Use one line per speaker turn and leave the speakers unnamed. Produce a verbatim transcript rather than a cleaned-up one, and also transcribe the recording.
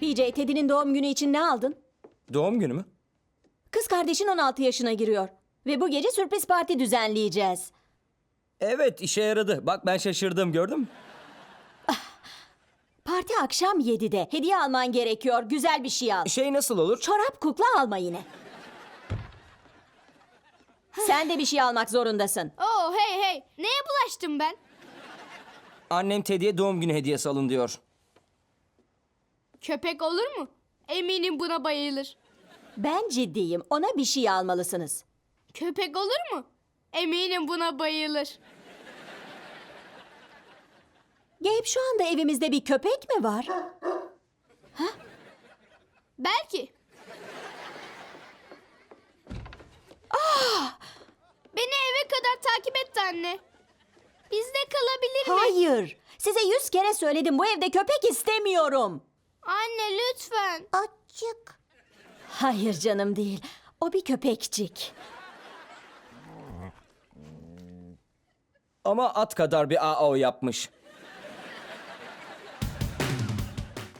B J, Teddy'nin doğum günü için ne aldın?
Doğum günü mü?
Kız kardeşin on altı yaşına giriyor. Ve bu gece sürpriz parti düzenleyeceğiz.
Evet, işe yaradı. Bak ben şaşırdım, gördün mü?
Parti akşam yedide. Hediye alman gerekiyor. Güzel bir şey al.
Şey nasıl olur?
Çorap kukla alma yine. Sen de bir şey almak zorundasın.
Oo hey hey. Neye bulaştım ben?
Annem Teddy'ye doğum günü hediyesi alın diyor.
Köpek olur mu? Eminim buna bayılır.
Ben ciddiyim. Ona bir şey almalısınız.
Köpek olur mu? Eminim buna bayılır.
Gabe, şu anda evimizde bir köpek mi var?
Belki. Ah! Beni eve kadar takip etti anne. Bizde kalabilir mi?
Hayır. Size yüz kere söyledim. Bu evde köpek istemiyorum.
Anne lütfen.
Açık. Hayır canım değil. O bir köpekçik.
Ama at kadar bir A A O yapmış.